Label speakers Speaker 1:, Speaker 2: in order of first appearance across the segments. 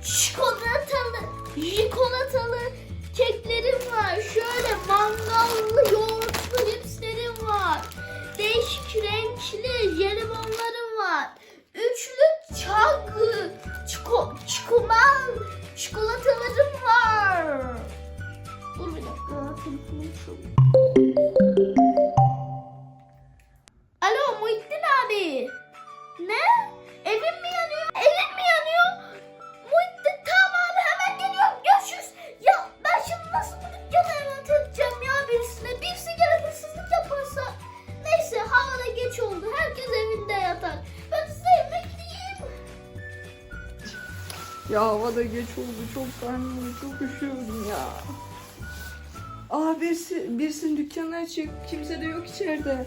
Speaker 1: çikolatalı keklerim var. Şöyle mangallı yoğurtlu cipslerim var. Değişik renkli jelibonlarım var. Üçlü çikolatalarım var. Dur bir dakika. Telefonum çalıyor. Alo Muhittin abi. Ne? Evim mi yanıyor? Evim mi yanıyor? Muhittin tamam abi hemen geliyorum. Görüşürüz. Ya ben şimdi nasıl bu dükkanı emanet edeceğim ya birisine? Birisi gelip hırsızlık yaparsa. Neyse havada geç oldu. Herkes evinde yatar. Ben size yemek yiyeyim.
Speaker 2: Ya havada geç oldu. Çok karnım, çok üşüyorum ya. Aa birisinin dükkanı açık. Kimse de yok içeride.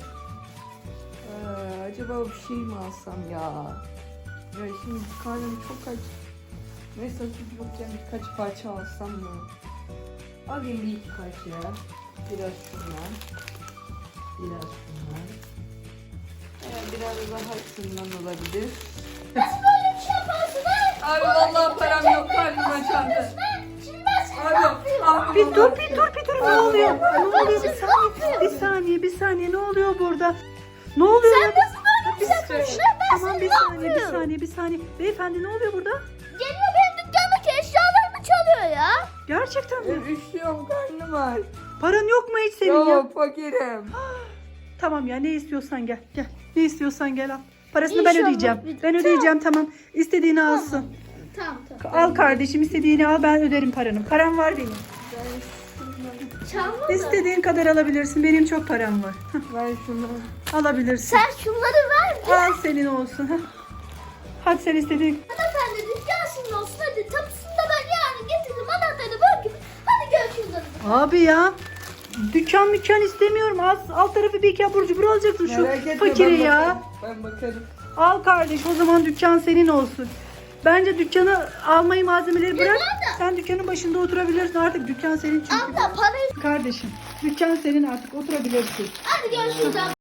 Speaker 2: Acaba bir şey mi alsam ya? Ya şimdi karnım çok aç. Neyse süt yokken birkaç parça alsam mı? Alayım bir iki parça. Biraz şundan. Biraz şundan. Biraz daha şundan olabilir.
Speaker 1: Nasıl böyle bir şey yaparsın ha?
Speaker 2: Abi vallahi param yok, karnım açandı.
Speaker 1: Şimdi ben seni ne yapıyorum?
Speaker 2: Abi
Speaker 3: Bir dur ne oluyor? Ne oluyor?
Speaker 1: Sen
Speaker 3: Bir saniye ne oluyor burada? Ne oluyor ya?
Speaker 1: nasıl böyle bir şey yapıyorsun? Ben
Speaker 3: Tamam
Speaker 1: seni
Speaker 3: bir saniye. Beyefendi ne oluyor burada?
Speaker 1: Geliyor benim dükkandaki eşyalarımı çalıyor ya.
Speaker 3: Gerçekten mi?
Speaker 2: Üşüyorum, karnım var.
Speaker 3: Paran yok mu hiç senin ya?
Speaker 2: Yok, fakirim.
Speaker 3: Tamam ya ne istiyorsan gel. Ne istiyorsan gel al. Parasını ben
Speaker 1: İnşallah
Speaker 3: ödeyeceğim.
Speaker 1: bir-
Speaker 3: Ben ödeyeceğim tamam. İstediğini alsın.
Speaker 1: Tamam.
Speaker 3: Al kardeşim istediğini al ben öderim paranı. Param var benim.
Speaker 1: Çalma da.
Speaker 3: İstediğin kadar alabilirsin. Benim çok param var.
Speaker 2: Ben şunu.
Speaker 3: Alabilirsin.
Speaker 1: Sen şunları ver.
Speaker 3: Al senin olsun. Hadi sen istediğin.
Speaker 1: Hanımefendi dükkan sizin olsun hadi. Tapusunu da ben yarın getiririm. Anahtarı bırakayım. Hadi görüşürüz.
Speaker 3: Abi ya. Dükkan istemiyorum. Alt tarafı bir iki abur cubur alacaksın şu
Speaker 2: Merak etme,
Speaker 3: fakire
Speaker 2: ben
Speaker 3: ya.
Speaker 2: bakarım, Ben bakarım.
Speaker 3: Al kardeş o zaman dükkan senin olsun. Bence dükkanı almayı malzemeleri bırak. Sen dükkanın başında oturabilirsin artık dükkan senin çünkü.
Speaker 1: Abla parayı.
Speaker 3: Kardeşim dükkan senin artık oturabilirsin.
Speaker 1: Hadi görüşürüz.